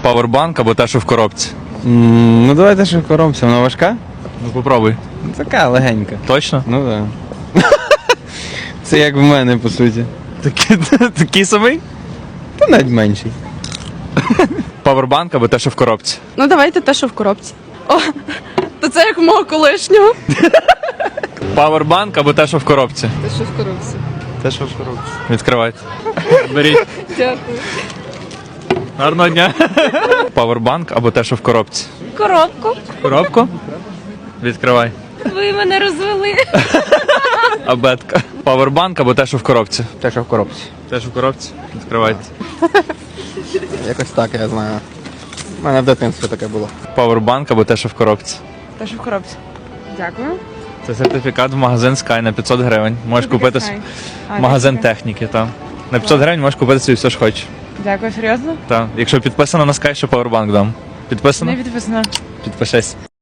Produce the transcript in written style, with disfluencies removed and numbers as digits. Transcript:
Павербанк або те, що в коробці? Ну давайте що коромся, вона важка? Ну попробуй. Така легенька. Точно? Ну так. Це як в мене, по суті. Такий самий? Та навіть менший. Павербанк або те, що в коробці? Ну давайте те, що в коробці. О, то це як в мого колишнього. Павербанк або те, що в коробці? Те, що в коробці. Те, що в коробці. Відкривайте. Беріть. Дякую. Гарного дня. Павербанк або те, що в коробці? Коробку. Коробку? Відкривай. Ви мене розвели. Абетка. Павербанк або те, що в коробці? Те, що в коробці. Те, що в коробці? Відкривайте. Якось так, я знаю. У мене в дитинстві таке було. Павербанк або те, що в коробці? Те, що в коробці. Дякую. Це сертифікат в магазин Sky на 500 гривень. Можеш купити магазин техніки. Там. На 500 гривень можеш купити собі все, що хочеш. Дякую, серйозно? Так. Якщо підписано на Sky, що Powerbank дам. Підписано? Не підписано. Підпишись.